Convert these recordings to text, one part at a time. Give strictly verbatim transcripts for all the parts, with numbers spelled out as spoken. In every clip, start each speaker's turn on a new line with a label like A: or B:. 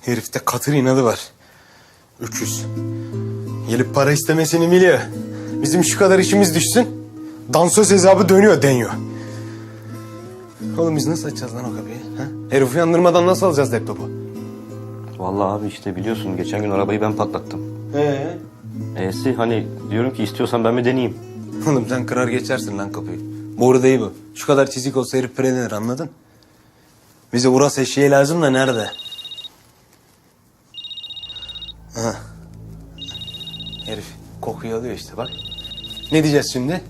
A: Herifte katır inadı var. Öküz. Gelip para istemesini biliyor. Bizim şu kadar işimiz düşsün. Dansöz hesabı dönüyor deniyor. Oğlum biz nasıl açacağız lan o kapıyı? Ha? Herif uyandırmadan nasıl alacağız laptopu?
B: Vallahi abi işte biliyorsun geçen gün arabayı ben patlattım.
A: Ee?
B: E'si hani diyorum ki istiyorsan ben mi deneyeyim?
A: Oğlum sen kırar geçersin lan kapıyı. Boru değil bu. Şu kadar çizik olsa herif predenir, anladın? Bize Uras eşeği lazım da nerede? Ha. Herif kokuyu alıyor işte bak. Ne diyeceğiz şimdi?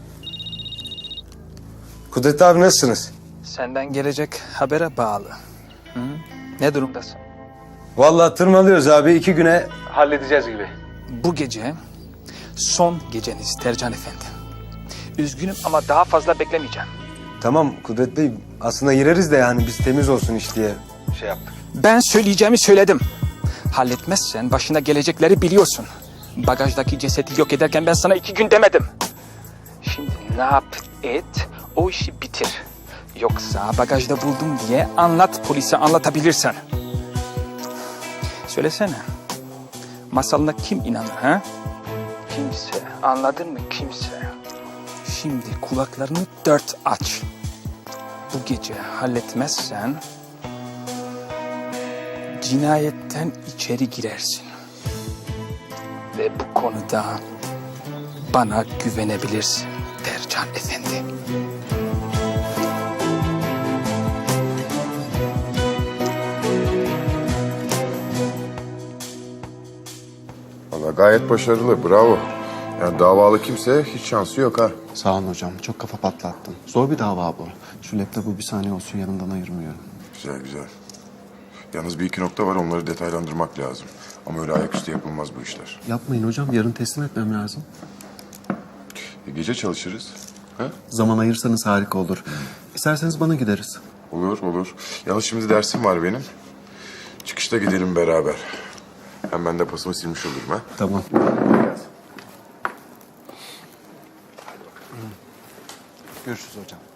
A: Kudret abi nasılsınız?
C: Senden gelecek habere bağlı. Hı? Ne durumdasın?
A: Vallahi tırmalıyoruz abi, iki güne halledeceğiz gibi.
C: Bu gece son geceniz Tercan Efendi. Üzgünüm ama daha fazla beklemeyeceğim.
A: Tamam Kudret Bey, aslında gireriz de yani biz temiz olsun iş diye şey yaptık.
C: Ben söyleyeceğimi söyledim. Halletmezsen başına gelecekleri biliyorsun. Bagajdaki cesedi yok ederken ben sana iki gün demedim. Şimdi ne yap et, o işi bitir. Yoksa bagajda buldum diye anlat, polise anlatabilirsen. Söylesene. Masalına kim inanır ha? Kimse. Anladın mı? Kimse. Şimdi kulaklarını dört aç. Bu gece halletmezsen cinayetten içeri girersin. Ve bu konuda bana güvenebilirsin Tercan Efendi.
D: Valla gayet başarılı, bravo. Yani davalı kimse hiç şansı yok ha.
E: Sağ olun hocam. Çok kafa patlattın. Zor bir dava bu. Şu laptopu bir saniye olsun yanından ayırmıyorum.
D: Güzel güzel. Yalnız bir iki nokta var, onları detaylandırmak lazım. Ama öyle ayaküstü yapılmaz bu işler.
E: Yapmayın hocam. Yarın teslim etmem lazım.
D: E, gece çalışırız. Ha?
E: Zaman ayırsanız harika olur. İsterseniz bana gideriz.
D: Olur olur. Yalnız şimdi dersim var benim. Çıkışta gidelim beraber. Hem ben de pasımı silmiş olurum ha.
E: Tamam. Görüşürüz hocam.